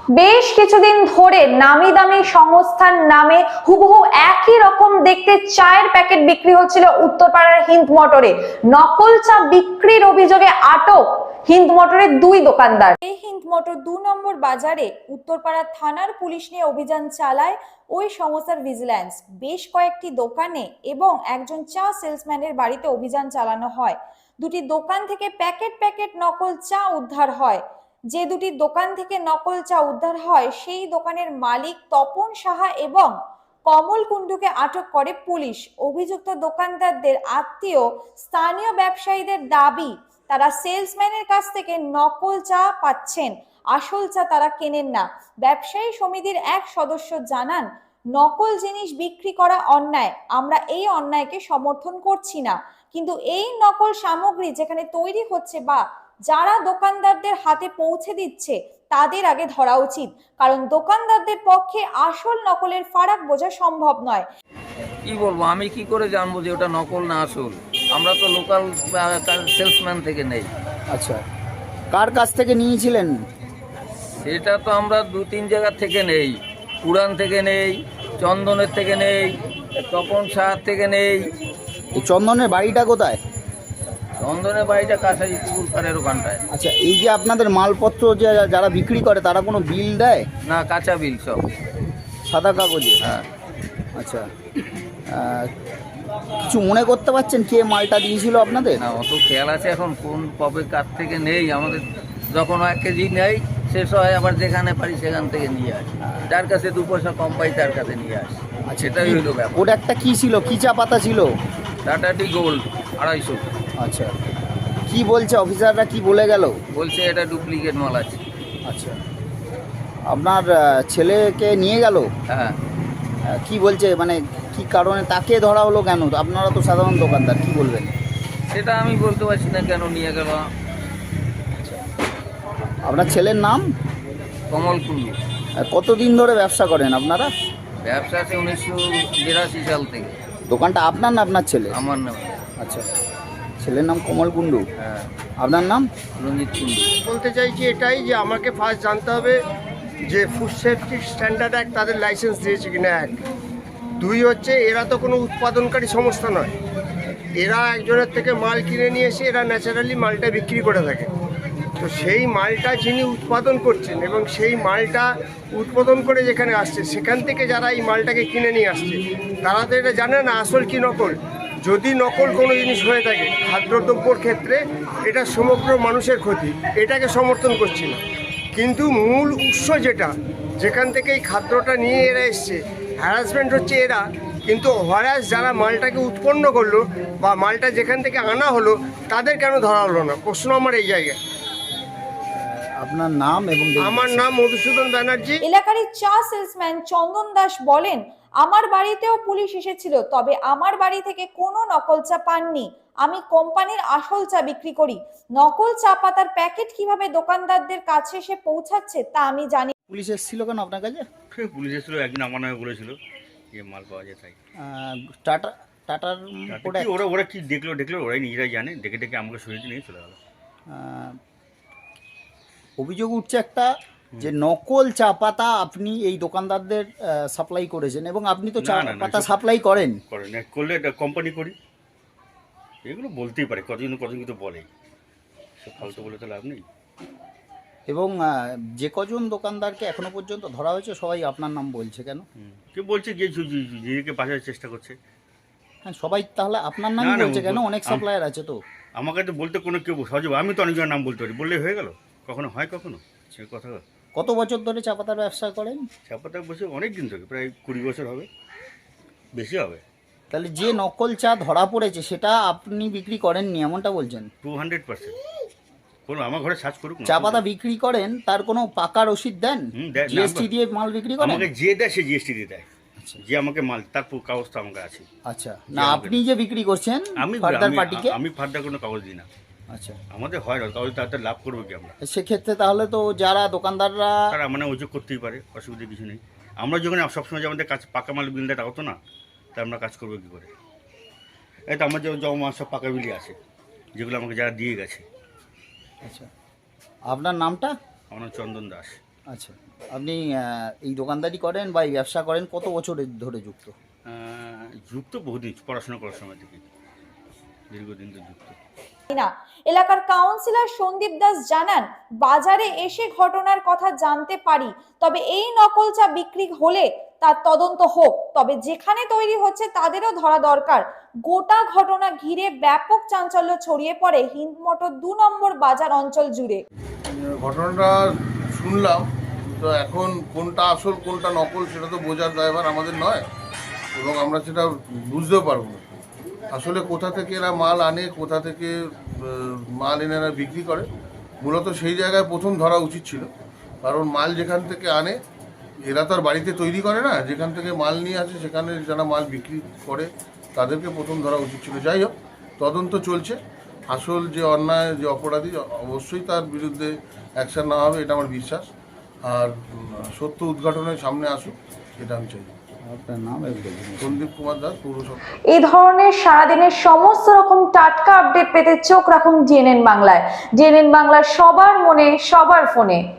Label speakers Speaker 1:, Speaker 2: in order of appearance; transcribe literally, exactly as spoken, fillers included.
Speaker 1: বেশ কিছুদিন ধরে নামি দামি সংস্থার নামে হুবহু একই রকম দেখতে চায়ের প্যাকেট বিক্রি হচ্ছিল উত্তরপাড়ার হিন্দ মোটরে। নকল চা বিক্রির অভিযোগে আটক হিন্দ মোটরের দুই দোকানদার। এই হিন্দ মোটর দু নম্বর বাজারে উত্তরপাড়া থানার পুলিশ নিয়ে অভিযান চালায় ওই সংস্থার ভিজিল্যান্স। বেশ কয়েকটি দোকানে এবং একজন চা সেলসম্যানের বাড়িতে অভিযান চালানো হয়। দুটি দোকান থেকে প্যাকেট প্যাকেট নকল চা উদ্ধার হয়। যে দুটি দোকান থেকে নকল চা উদ্ধার হয় সেই দোকানের মালিক তপন সাহা এবং কমল কুণ্ডুকে আটক করে পুলিশ। অভিযুক্ত দোকানদারদের আত্মীয় স্থানীয় ব্যবসায়ীদের দাবি তারা সেলসম্যানের কাছ থেকে নকল চা পাচ্ছেন, আসল চা তারা কেনেন না। ব্যবসায়ী সমিতির এক সদস্য জানান, নকল জিনিস বিক্রি করা অন্যায়, আমরা এই অন্যায়কে সমর্থন করছি না, কিন্তু এই নকল সামগ্রী যেখানে তৈরি হচ্ছে বা যারা দোকানদারদের হাতে পৌঁছে দিচ্ছে তাদের আগে ধরা উচিত, কারণ দোকানদারদের পক্ষে আসল নকলের ফারাক বোঝা সম্ভব নয়।
Speaker 2: কি বলবো, আমি কি করে জানবো যে ওটা নকল না আসল? আমরা তো লোকাল সেলসম্যান থেকে নেই।
Speaker 3: আচ্ছা, কার কাছ থেকে নিয়েছিলেন?
Speaker 2: সেটা তো আমরা দু তিন জায়গা থেকে নেই। পুরান থেকে নেই, চন্দনের থেকে নেই, তপন সাহার থেকে নেই।
Speaker 3: এই চন্দনের বাড়িটা কোথায়?
Speaker 2: চন্দনের বাড়িটা কাছারি পুকুর পাড়ের ওখানটায়।
Speaker 3: আচ্ছা, এই যে আপনাদের মালপত্র যে যারা বিক্রি করে তারা কোনো বিল দেয়?
Speaker 2: না, কাঁচা বিল সব,
Speaker 3: সাদা কাগজে?
Speaker 2: হ্যাঁ।
Speaker 3: আচ্ছা, আহ, কিছু মনে করতে পারছেন কে মালটা দিয়েছিল আপনাদের?
Speaker 2: না, অত খেয়াল আছে এখন কোন কবে কার থেকে নেই। আমাদের যখন এক কেজি নেই শেষ হয়, আবার যেখানে পারি সেখান থেকে নিয়ে আসি। যার কাছে দু পয়সা কম পাই তার কাছে নিয়ে আসি।
Speaker 3: আচ্ছা,
Speaker 2: সেটাই হইলো ব্যাপার।
Speaker 3: ওটা একটা কি ছিল, কি চা পাতা ছিল?
Speaker 2: টাটা টি গোল্ড আড়াইশো।
Speaker 3: আচ্ছা, কি বলছে অফিসাররা, কি বলে গেল?
Speaker 2: বলছে এটা ডুপ্লিকেট মাল আছে।
Speaker 3: আচ্ছা, আপনার আহ, ছেলেকে নিয়ে গেল?
Speaker 2: হ্যাঁ।
Speaker 3: আহ, কি বলছে, মানে কি কারণে তাকে ধরা হলো কেন? আপনারা তো সাধারণ দোকানদার, কি বলবেন?
Speaker 2: সেটা আমি বলতে পারছি না কেন নিয়ে গেল।
Speaker 3: আপনার ছেলের নাম?
Speaker 2: কমল কুণ্ডু।
Speaker 3: আর কতদিন ধরে ব্যবসা করেন আপনারা?
Speaker 2: ব্যবসা আছে উনিশশো বিরাশি সাল থেকে।
Speaker 3: দোকানটা আপনার না আপনার ছেলে?
Speaker 2: আমার নাম।
Speaker 3: আচ্ছা, ছেলের নাম কমল কুণ্ডু।
Speaker 2: হ্যাঁ।
Speaker 3: আপনার নাম?
Speaker 2: রঞ্জিত কুণ্ডু।
Speaker 4: বলতে চাইছি এটাই যে আমাকে ফার্স্ট জানতে হবে যে ফুড সেফটি স্ট্যান্ডার্ড অ্যাক্ট তাদের লাইসেন্স দিয়েছে কিনা, এক। দুই হচ্ছে এরা তো কোনো উৎপাদনকারী সংস্থা নয়, এরা একজনের থেকে মাল কিনে নিয়ে এসে এরা ন্যাচারালি মালটা বিক্রি করে থাকে। তো সেই মালটা যিনি উৎপাদন করছেন এবং সেই মালটা উৎপাদন করে যেখানে আসছে সেখান থেকে যারা এই মালটাকে কিনে নিয়ে আসছে তারা তো এটা জানে না আসল কি নকল। যদি নকল কোনো জিনিস হয়ে থাকে খাদ্যদ্রব্যর ক্ষেত্রে, এটা সমগ্র মানুষের ক্ষতি, এটাকে সমর্থন করছি না। কিন্তু মূল উৎস যেটা, যেখান থেকে এই খাদ্যটা নিয়ে এরা এসছে, হ্যারাসমেন্ট হচ্ছে এরা। কিন্তু হ্যারাস যারা মালটাকে উৎপন্ন করলো বা মালটা যেখান থেকে আনা হলো তাদের কেন ধরা হলো না, প্রশ্ন আমার এই জায়গায়।
Speaker 3: আপনার নাম এবং?
Speaker 4: আমার নাম মধুসূদন ব্যানার্জি।
Speaker 1: এলাকারই চা সেলসম্যান চন্দন দাস বলেন, আমার বাড়িতেও পুলিশ এসেছিল, তবে আমার বাড়ি থেকে কোনো নকল চা পাননি। আমি কোম্পানির আসল চা বিক্রি করি। নকল চা পাতার প্যাকেট কিভাবে দোকানদারদের কাছে এসে পৌঁছাচ্ছে তা আমি জানি।
Speaker 3: পুলিশ এসেছিল কেন আপনার কাছে?
Speaker 5: পুলিশ এসেছিল, একদিন আমার নামে বলেছিল যে মাল পাওয়া যায় তাই।
Speaker 3: আহ, টাটা টাটার
Speaker 5: তাতে
Speaker 3: প্রোডাক্ট?
Speaker 5: কি ওরা ওরা কি দেখলো দেখলো ওরাই নিজেরাই জানে, দেখে দেখে আমাকে সরিয়ে নিয়ে চলে গেল।
Speaker 3: আহ, অভিযোগ উঠছে একটা যে নকল চা পাতা আপনি এই দোকানদারদের সাপ্লাই করেছেন, এবং আপনি তো চা
Speaker 5: না, না, না,
Speaker 3: পাতা
Speaker 5: এসব-
Speaker 3: সাপ্লাই করেন।
Speaker 5: করেন না, করলে এটা কোম্পানি করি, এগুলো বলতেই পারে, কতজন কতজন কিন্তু বলেই, সব ফালতু বলে তো লাভ নেই।
Speaker 3: এবং আহ, যে কজন দোকানদারকে এখনো পর্যন্ত ধরা হয়েছে সবাই আপনার নাম বলছে কেন?
Speaker 5: হুম। কেউ বলছে গিয়ে নিজেকে বাঁচার চেষ্টা করছে।
Speaker 3: হ্যাঁ, সবাই তাহলে আপনার নামই
Speaker 5: না, না,
Speaker 3: বলছে কেন?
Speaker 5: বল-
Speaker 3: অনেক
Speaker 5: আম-
Speaker 3: সাপ্লায়ার আছে তো।
Speaker 5: আমাকে তো বলতে কোনো কেউ সহজে, আমি তো অনেকজনের নাম বলতে পারি, বললেই হয়ে গেল। কখনো হয় কখনো সে কথা।
Speaker 3: কত বছর ধরে চা পাতার ব্যবসা করেন?
Speaker 5: চাপাতা বসে অনেক দিন থেকে, প্রায় কুড়ি বছর হবে, বেশি হবে।
Speaker 3: তাহলে যে নকল চা ধরা পড়েছে সেটা আপনি বিক্রি করেননি এমনটা বলছেন?
Speaker 5: Two hundred percent. কোনো আমার ঘরে সার্চ করুক না।
Speaker 3: চা পাতা বিক্রি করেন, তার কোনো পাকা রসিদ দেন?
Speaker 5: হুম, দেয়। না,
Speaker 3: জিএসটি দিয়ে মাল বিক্রি করেন?
Speaker 5: আমাকে যে দেয় সে জিএসটি দিয়ে দেয়। যে আমাকে মাল, তার পুরো কাগজ তো আমাকে আছে।
Speaker 3: আচ্ছা, না আপনি যে বিক্রি করছেন
Speaker 5: আমি
Speaker 3: ফার্দার
Speaker 5: আমি-
Speaker 3: পার্টিকে?
Speaker 5: আমি ফার্দার কোনো কাগজ দিই না।
Speaker 3: আচ্ছা,
Speaker 5: আমাদের হয় না, কাগজ তাতে লাভ করবো কি আমরা?
Speaker 3: সেক্ষেত্রে তাহলে তো যারা দোকানদাররা
Speaker 5: তারা মানে অভিযোগ করতেই পারে, অসুবিধা কিছু নেই। আমরা যখন সবসময় যে আমাদের কাছে পাকা মাল বিল দেয় হতো না, তা আমরা কাজ করবো কী করে? এই তো আমার যেমন জমা সব পাকা বিলি আছে, যেগুলো আমাকে যারা দিয়ে গেছে।
Speaker 3: আচ্ছা, আপনার নামটা?
Speaker 5: আমার নাম চন্দন দাস।
Speaker 3: আচ্ছা, আপনি আহ, এই দোকানদারি করেন বা এই ব্যবসা করেন কত বছর ধরে যুক্ত?
Speaker 5: আহ, যুক্ত বহুদিন, পড়াশোনা করার সময় থেকে দীর্ঘদিন তো যুক্ত।
Speaker 1: না, এলাকার কাউন্সিলর সন্দীপ দাস জানান, বাজারে এসে ঘটনার কথা জানতে পারি, তবে এই নকল চা বিক্রি হলে তার তদন্ত হোক, তবে যেখানে তৈরি হচ্ছে তাদেরও ধরা দরকার। গোটা ঘটনা ঘিরে ব্যাপক চাঞ্চল্য ছড়িয়ে পড়ে হিন্দ মোটর দু নম্বর বাজার অঞ্চল জুড়ে।
Speaker 6: ঘটনাটা শুনলাম, তো এখন কোনটা আসল কোনটা নকল সেটা তো বোঝার দায়ভার আমাদের নয়, এবং আমরা সেটা বুঝতেও পারবো না। আসলে কোথা থেকে এরা মাল আনে, কোথা থেকে আহ, মাল এনে এরা বিক্রি করে, মূলত সেই জায়গায় প্রথম ধরা উচিত ছিল। কারণ মাল যেখান থেকে আনে এরা তো আর বাড়িতে তৈরি করে না, যেখান থেকে মাল নিয়ে আসে সেখানে যারা মাল বিক্রি করে তাদেরকে প্রথম ধরা উচিত ছিল। যাই হোক, তদন্ত চলছে। আসল যে অন্যায়, যে অপরাধী, অবশ্যই তার বিরুদ্ধে অ্যাকশন নেওয়া হবে, এটা আমার বিশ্বাস। আর উম, সত্য উদ্ঘাটনের সামনে আসুক, এটা আমি চাই।
Speaker 3: আপনার নাম?
Speaker 6: সন্দীপ কুমার দাস, পৌরসভা।
Speaker 1: এই ধরনের সারাদিনের সমস্ত রকম টাটকা আপডেট পেতে চোখ রাখুন ডিএনএন বাংলায়। ডিএনএন বাংলা, সবার মনে সবার ফোনে।